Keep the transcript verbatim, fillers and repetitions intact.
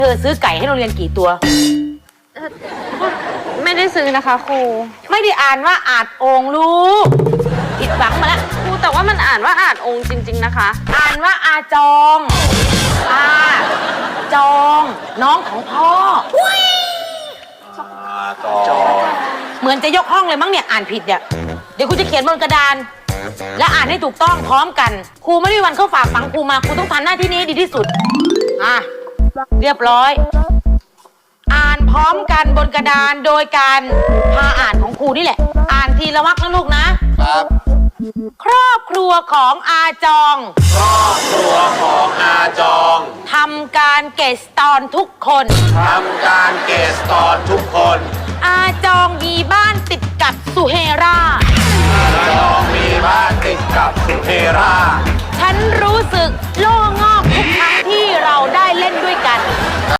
เธอซื้อไก่ให้โรงเรียนกี่ตัวไม่ได้ซื้อนะคะครูไม่ได้อ่านว่าอาจโองลูกผิดหวังมาแล้วครูแต่ว่ามันอ่านว่าอาจองค์จริงๆนะคะอ่านว่าอาจองอาจองน้องของพ่อจองเหมือนจะยกห้องเลยมั้งเนี่ยอ่านผิดเนี่ยเดี๋ยวครูจะเขียนบนกระดานและอ่านให้ถูกต้องพร้อมกันครูไม่ได้วันเข้าฝากฝังครูมาครูต้องทำหน้าที่นี้ให้ดีที่สุดอ่ะเรียบร้อยอ่านพร้อมกันบนกระดานโดยการพาอ่านของครูนี่แหละอ่านทีละวรรคนะลูกนะครับครอบครัวของอาจองครอบครัวของอาจองทำการเกสตอนทุกคนทำการเกสตอนทุกคนอาจองมีบ้านติดกับสุเฮราอาจองมีบ้านติดกับสุเฮราฉันรู้สึกโล่งอกทุกครั้งที่เราได้เล่นด้วยกัน